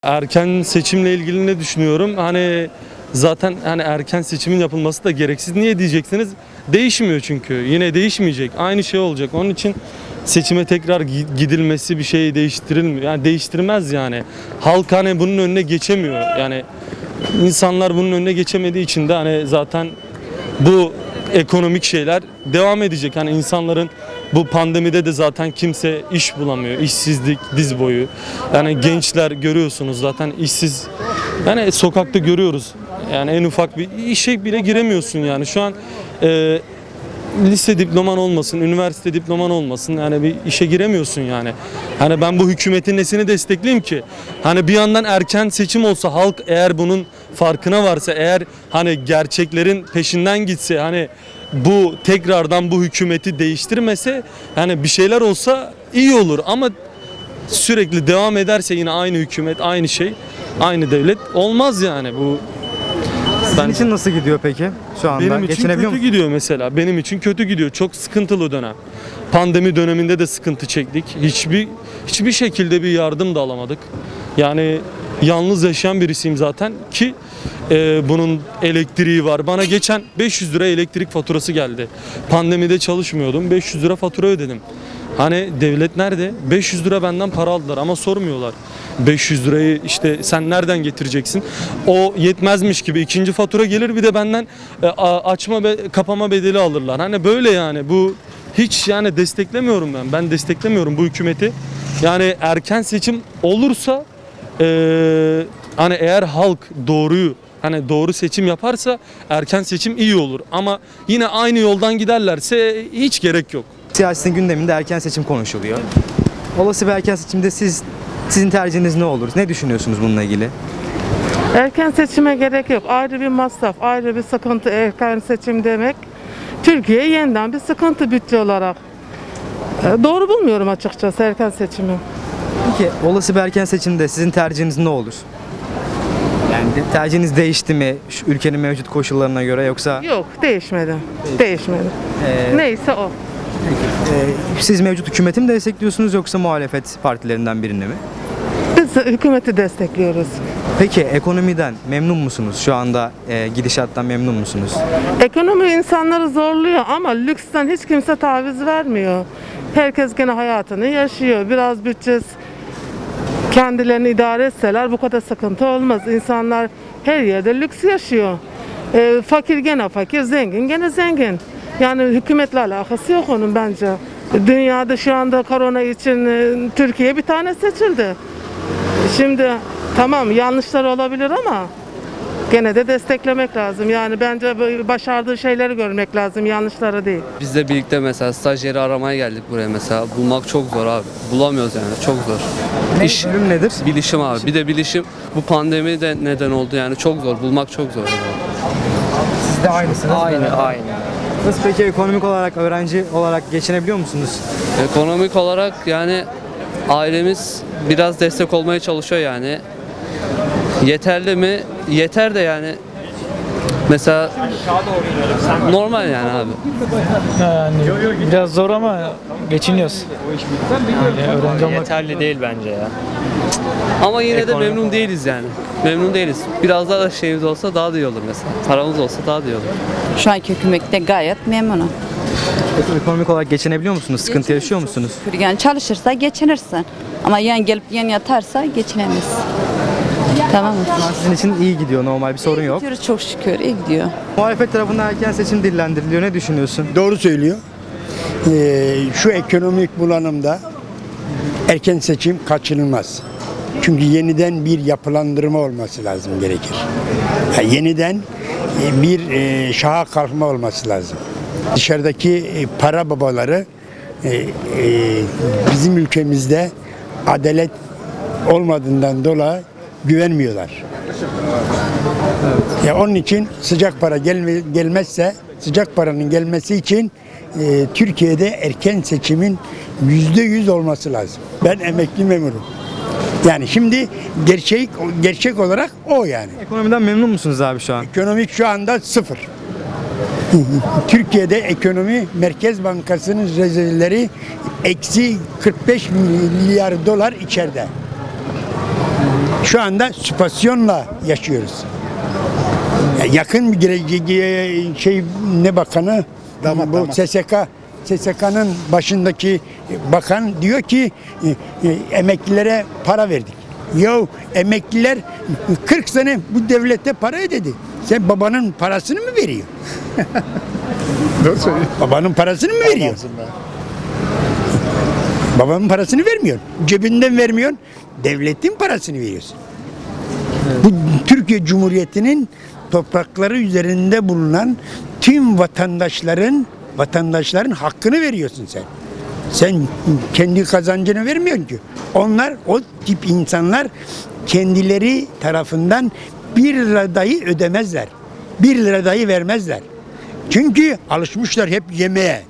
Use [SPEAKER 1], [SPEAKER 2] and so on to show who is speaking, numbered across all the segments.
[SPEAKER 1] Erken seçimle ilgili ne düşünüyorum? Hani zaten hani erken seçimin yapılması da gereksiz. Niye diyeceksiniz? Değişmiyor çünkü. Yine değişmeyecek. Aynı şey olacak. Onun için seçime tekrar gidilmesi bir şey değiştirilmiyor. Yani değiştirmez yani. Halk hani bunun önüne geçemiyor. Yani insanlar bunun önüne geçemediği için de hani zaten bu ekonomik şeyler devam edecek. Hani insanların bu pandemide de zaten kimse iş bulamıyor. İşsizlik diz boyu. Yani gençler görüyorsunuz zaten işsiz. Yani sokakta görüyoruz. Yani en ufak bir işe bile giremiyorsun yani. Şu an lise diploman olmasın, üniversite diploman olmasın yani bir işe giremiyorsun yani. Hani ben bu hükümetin nesini destekleyeyim ki? Hani bir yandan erken seçim olsa halk eğer bunun farkına varsa, eğer hani gerçeklerin peşinden gitse, hani bu tekrardan bu hükümeti değiştirmese, hani bir şeyler olsa iyi olur ama sürekli devam ederse yine aynı hükümet, aynı şey, aynı devlet olmaz yani bu.
[SPEAKER 2] Sizin için nasıl gidiyor peki şu anda?
[SPEAKER 1] Benim için
[SPEAKER 2] Geçinebiliyor
[SPEAKER 1] kötü
[SPEAKER 2] musunuz?
[SPEAKER 1] gidiyor mesela. Benim için kötü gidiyor. Çok sıkıntılı dönem. Pandemi döneminde de sıkıntı çektik. Hiçbir şekilde bir yardım da alamadık. Yani yalnız yaşayan birisiyim zaten ki bunun elektriği var. Bana geçen 500 lira elektrik faturası geldi. Pandemide çalışmıyordum. 500 lira fatura ödedim. Hani devlet nerede? 500 lira benden para aldılar ama sormuyorlar. 500 lirayı işte sen nereden getireceksin? O yetmezmiş gibi ikinci fatura gelir bir de benden açma ve kapama bedeli alırlar. Hani böyle yani bu hiç yani desteklemiyorum ben. Ben desteklemiyorum bu hükümeti. Yani erken seçim olursa hani eğer halk doğruyu hani doğru seçim yaparsa erken seçim iyi olur. Ama yine aynı yoldan giderlerse hiç gerek yok.
[SPEAKER 2] Siyasetin gündeminde erken seçim konuşuluyor. Olası bir erken seçimde sizin tercihiniz ne olur? Ne düşünüyorsunuz bununla ilgili?
[SPEAKER 3] Erken seçime gerek yok. Ayrı bir masraf, ayrı bir sıkıntı erken seçim demek. Türkiye yeniden bir sıkıntı bütçe olarak. Doğru bulmuyorum açıkçası erken seçimi.
[SPEAKER 2] Peki olası bir erken seçimde sizin tercihiniz ne olur? Yani tercihiniz değişti mi şu ülkenin mevcut koşullarına göre yoksa
[SPEAKER 3] Yok, değişmedi. Değişmedi. Neyse o.
[SPEAKER 2] siz mevcut hükümeti mi destekliyorsunuz yoksa muhalefet partilerinden birini mi?
[SPEAKER 3] Biz hükümeti destekliyoruz.
[SPEAKER 2] Peki ekonomiden memnun musunuz? Şu anda gidişattan memnun musunuz?
[SPEAKER 3] Ekonomi insanları zorluyor ama lüksten hiç kimse taviz vermiyor. Herkes gene hayatını yaşıyor. Biraz bütçesi kendilerini idare etseler bu kadar sıkıntı olmaz. İnsanlar her yerde lüks yaşıyor. Fakir gene fakir, zengin gene zengin. Yani hükümetle alakası yok onun bence. Dünyada şu anda korona için Türkiye bir tane seçildi. Şimdi tamam yanlışlar olabilir ama gene de desteklemek lazım. Yani bence başardığı şeyleri görmek lazım, yanlışları değil.
[SPEAKER 4] Biz de birlikte mesela stajyeri aramaya geldik buraya mesela. Bulmak çok zor abi. Bulamıyoruz yani çok zor. İş,
[SPEAKER 2] Bölüm nedir?
[SPEAKER 4] bilişim abi. Bir de bilişim bu pandemi de neden oldu yani çok zor. Bulmak çok zor.
[SPEAKER 2] Siz de aynısınız.
[SPEAKER 4] Aynı.
[SPEAKER 2] Nasıl peki ekonomik olarak, öğrenci olarak geçinebiliyor musunuz?
[SPEAKER 4] Ekonomik olarak yani ailemiz biraz destek olmaya çalışıyor yani. Yeterli mi? Yeter de yani. Mesela normal yani abi.
[SPEAKER 5] Yani biraz zor ama geçiniyoruz. Yani öğrenci olmak
[SPEAKER 6] Yeterli değil bence ya.
[SPEAKER 4] Ama yine de memnun değiliz yani. Memnun değiliz. Biraz daha da şeyimiz olsa daha da iyi olur mesela. Paramız olsa daha da iyi olur.
[SPEAKER 7] Şu anki hükümette gayet memnunum.
[SPEAKER 2] Peki ekonomik olarak geçinebiliyor musunuz? Sıkıntı yaşıyor musunuz?
[SPEAKER 7] Yani çalışırsa geçinirsin. Ama yan gelip yan yatarsa geçinemez. Tamam mı?
[SPEAKER 2] Şu an sizin için iyi gidiyor, normal bir sorun yok.
[SPEAKER 7] Gidiyoruz çok şükür, iyi gidiyor.
[SPEAKER 2] Muhalefet tarafından erken seçim dillendiriliyor. Ne düşünüyorsun?
[SPEAKER 8] Doğru söylüyor. Şu ekonomik bulanımda erken seçim kaçınılmaz. Çünkü yeniden bir yapılandırma olması lazım gerekir. Yeniden bir şaha kalkma olması lazım. Dışarıdaki para babaları bizim ülkemizde adalet olmadığından dolayı güvenmiyorlar. Ya onun için sıcak para gelmezse, sıcak paranın gelmesi için Türkiye'de erken seçimin %100 olması lazım. Ben emekli memurum. Yani şimdi gerçek olarak o yani.
[SPEAKER 2] Ekonomiden memnun musunuz abi şu an?
[SPEAKER 8] Ekonomik şu anda sıfır. Türkiye'de ekonomi Merkez Bankası'nın rezervleri eksi 45 milyar dolar içeride. Şu anda süpasyonla yaşıyoruz. Yakın bir şey ne bakanı bu SSK'nın başındaki bakan diyor ki emeklilere para verdik. Ya emekliler 40 sene bu devlete para ödedi. Sen babanın parasını mı veriyor? Babanın parasını mı veriyor? Babanın parasını vermiyor. Cebinden vermiyor. Devletin parasını veriyorsun. Bu Türkiye Cumhuriyeti'nin toprakları üzerinde bulunan tüm vatandaşların hakkını veriyorsun sen. Sen kendi kazancını vermiyorsun ki. Onlar o tip insanlar kendileri tarafından 1 lira dahi ödemezler. 1 lira dahi vermezler. Çünkü alışmışlar hep yemeğe.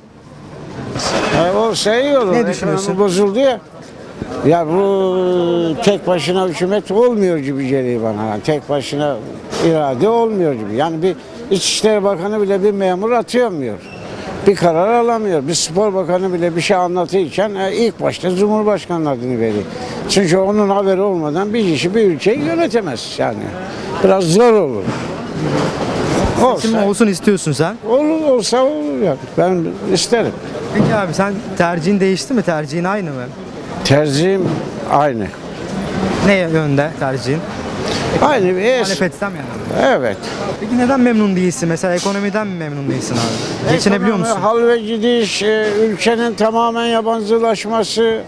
[SPEAKER 6] O iyi olur.
[SPEAKER 2] Ne düşünüyorsun?
[SPEAKER 6] Ekonomi bozuldu ya. Ya bu tek başına hükümet olmuyor gibi geliyor bana. Yani tek başına irade olmuyor gibi. Yani bir İçişleri Bakanı bile bir memur atayamıyor. Bir karar alamıyor. Bir spor bakanı bile bir şey anlatırken ilk başta Cumhurbaşkanı adını veriyor. Çünkü onun haberi olmadan bir kişi bir ülkeyi yönetemez yani. Biraz zor olur.
[SPEAKER 2] Seçim olsun istiyorsun sen.
[SPEAKER 6] Olsa olur yani. Ben isterim.
[SPEAKER 2] Peki abi sen tercihin değişti mi? Tercihin aynı mı?
[SPEAKER 6] Tercihim aynı.
[SPEAKER 2] Ne yönde tercihin?
[SPEAKER 6] Aynı bir
[SPEAKER 2] Muhalefetten yani.
[SPEAKER 6] Evet.
[SPEAKER 2] Peki neden memnun değilsin? Mesela ekonomiden mi memnun değilsin abi? Geçinebiliyor musun?
[SPEAKER 6] Hal ve gidiş, ülkenin tamamen yabancılaşması,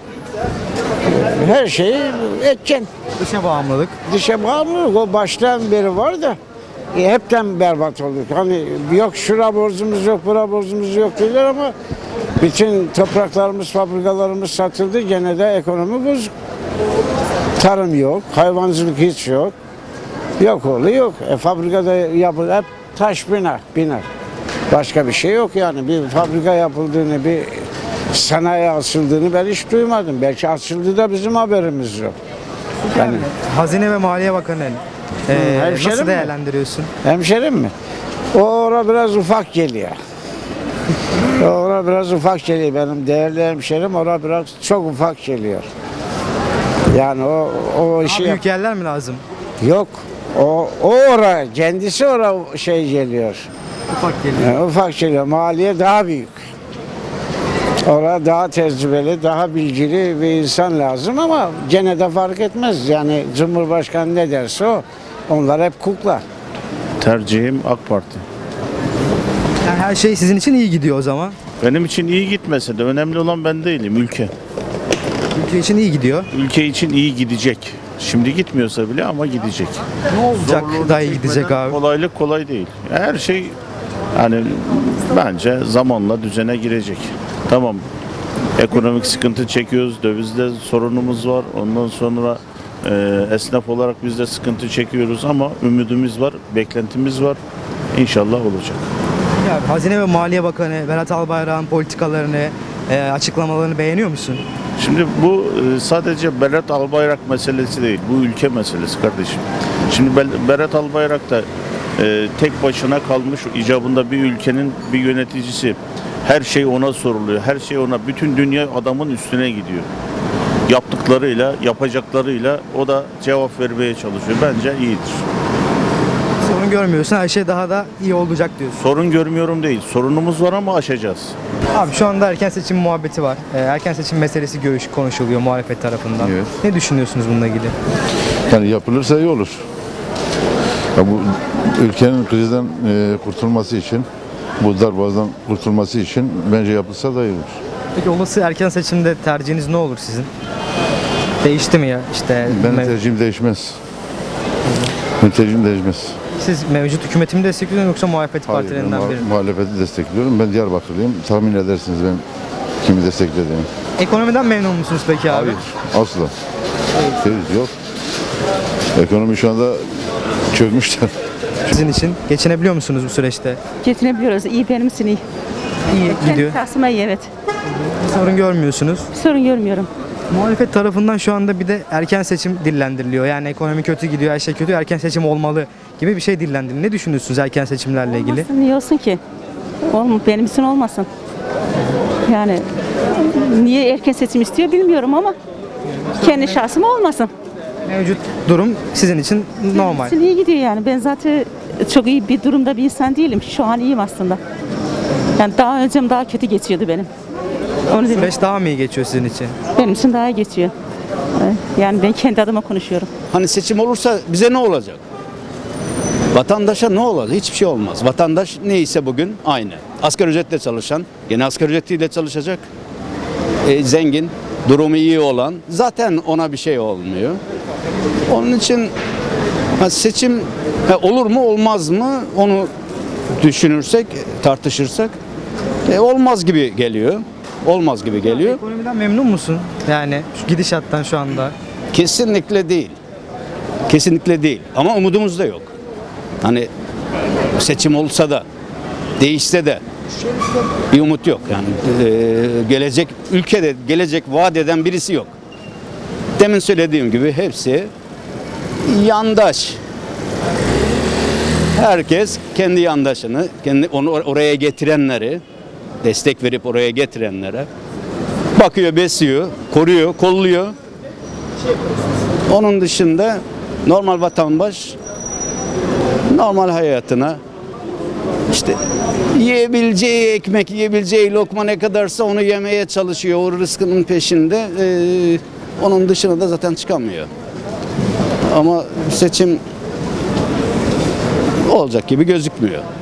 [SPEAKER 6] her şeyi edeceksin.
[SPEAKER 2] Dışa bağımlılık.
[SPEAKER 6] Dışa bağımlılık o baştan beri var da hepten berbat olduk. Hani yok şura borcumuz yok, bura borcumuz yok diyorlar ama bütün topraklarımız, fabrikalarımız satıldı. Gene de ekonomi bozuk. Tarım yok, hayvancılık hiç yok. Yok oğlu yok. Fabrikada hep taş bina. Başka bir şey yok yani. Bir fabrika yapıldığını, bir sanayi açıldığını ben hiç duymadım. Belki açıldı da bizim haberimiz yok. Yani
[SPEAKER 2] Hazine ve Maliye Bakanı
[SPEAKER 6] hemşerim
[SPEAKER 2] nasıl
[SPEAKER 6] mi?
[SPEAKER 2] değerlendiriyorsun?
[SPEAKER 6] hemşerim mi? Ora biraz ufak geliyor. Ora biraz ufak geliyor benim değerli hemşerim. Ora biraz çok ufak geliyor. Yani o işi
[SPEAKER 2] Daha büyük yerler mi lazım?
[SPEAKER 6] yok. O ora kendisi şey geliyor.
[SPEAKER 2] Ufak geliyor.
[SPEAKER 6] Yani ufak geliyor. Maliye daha büyük. Orada daha tecrübeli, daha bilgili bir insan lazım ama gene de fark etmez. Yani Cumhurbaşkanı ne derse o. Onlar hep kukla.
[SPEAKER 9] Tercihim AK Parti.
[SPEAKER 2] Yani her şey sizin için iyi gidiyor o zaman.
[SPEAKER 9] Benim için iyi gitmese de önemli olan ben değilim, ülke.
[SPEAKER 2] Ülke için iyi gidiyor.
[SPEAKER 9] Ülke için iyi gidecek. Şimdi gitmiyorsa bile ama gidecek.
[SPEAKER 2] Ne olacak daha iyi gidecek abi?
[SPEAKER 9] Kolaylık kolay değil. Her şey hani bence zamanla düzene girecek. Tamam. Ekonomik sıkıntı çekiyoruz. Dövizde sorunumuz var. Ondan sonra esnaf olarak biz de sıkıntı çekiyoruz ama ümidimiz var, beklentimiz var. İnşallah olacak.
[SPEAKER 2] Ya, Hazine ve Maliye Bakanı Berat Albayrak'ın politikalarını, açıklamalarını beğeniyor musun?
[SPEAKER 9] Şimdi bu sadece Berat Albayrak meselesi değil. Bu ülke meselesi kardeşim. Şimdi Berat Albayrak da tek başına kalmış icabında bir ülkenin bir yöneticisi. Her şey ona soruluyor. Her şey ona. Bütün dünya adamın üstüne gidiyor. Yaptıklarıyla, yapacaklarıyla o da cevap vermeye çalışıyor. Bence iyidir.
[SPEAKER 2] Sorun görmüyorsun. Her şey daha da iyi olacak diyorsun.
[SPEAKER 9] Sorun görmüyorum değil. Sorunumuz var ama aşacağız.
[SPEAKER 2] Abi şu anda erken seçim muhabbeti var. Erken seçim meselesi konuşuluyor muhalefet tarafından.
[SPEAKER 10] Evet.
[SPEAKER 2] Ne düşünüyorsunuz bununla ilgili?
[SPEAKER 10] Yani yapılırsa iyi olur. Ya bu ülkenin krizden kurtulması için, bu darboğazdan kurtulması için bence yapılsa da iyi olur.
[SPEAKER 2] Peki olası erken seçimde tercihiniz ne olur sizin? Değişti mi ya? İşte
[SPEAKER 10] Benim tercihim değişmez. Benim tercihim değişmez.
[SPEAKER 2] siz mevcut hükümeti mi destekliyorsunuz yoksa muhalefet
[SPEAKER 10] Hayır, ben
[SPEAKER 2] partilerinden biri mi?
[SPEAKER 10] muhalefeti destekliyorum. Ben Diyarbakırlıyım. Tahmin edersiniz ben kimi desteklediğimi.
[SPEAKER 2] Ekonomiden memnun musunuz peki abi?
[SPEAKER 10] Hayır, asla. Değiliz, yok. Ekonomi şu anda çökmüşler.
[SPEAKER 2] Sizin için geçinebiliyor musunuz bu süreçte?
[SPEAKER 11] Getirebiliyoruz. İyi benim için iyi.
[SPEAKER 2] İyi gidiyor.
[SPEAKER 11] Kendi şahsıma iyi evet.
[SPEAKER 2] Sorun görmüyorsunuz.
[SPEAKER 11] Bir sorun görmüyorum.
[SPEAKER 2] Muhalefet tarafından şu anda bir de erken seçim dillendiriliyor. Yani ekonomi kötü gidiyor, her şey kötü, erken seçim olmalı gibi bir şey dillendiriliyor. Ne düşünüyorsunuz erken seçimlerle ilgili?
[SPEAKER 11] Olmasın, niye olsun ki? Benim için olmasın. Yani niye erken seçim istiyor bilmiyorum ama kendi şahsıma olmasın.
[SPEAKER 2] Mevcut durum sizin için normal.
[SPEAKER 11] Benim için iyi gidiyor yani. Ben zaten çok iyi bir durumda bir insan değilim. Şu an iyiyim aslında. Yani daha önce daha kötü geçiyordu benim. Onu dedim.
[SPEAKER 2] Süreç daha mı iyi geçiyor sizin için?
[SPEAKER 11] Benim için daha iyi geçiyor. Evet. Yani ben kendi adıma konuşuyorum.
[SPEAKER 12] Hani seçim olursa bize ne olacak? Vatandaşa ne olacak? Hiçbir şey olmaz. Vatandaş neyse bugün aynı. Asgari ücretle çalışan gene asgari ücretiyle çalışacak. Zengin, durumu iyi olan zaten ona bir şey olmuyor. Onun için seçim olur mu olmaz mı onu düşünürsek, tartışırsak olmaz gibi geliyor. Olmaz gibi geliyor.
[SPEAKER 2] Ekonomiden memnun musun? Yani şu gidişattan şu anda.
[SPEAKER 12] Kesinlikle değil. Kesinlikle değil. Ama umudumuz da yok. Hani seçim olsa da değişse de bir umut yok. Yani gelecek ülkede gelecek vaat eden birisi yok. Demin söylediğim gibi hepsi yandaş. Herkes kendi yandaşını, kendi onu oraya getirenleri, destek verip oraya getirenlere bakıyor, besliyor, koruyor, kolluyor. Onun dışında normal vatandaş normal hayatına işte yiyebileceği ekmek, yiyebileceği lokma ne kadarsa onu yemeye çalışıyor. O rızkının peşinde. Onun dışına da zaten çıkamıyor. Ama seçim olacak gibi gözükmüyor.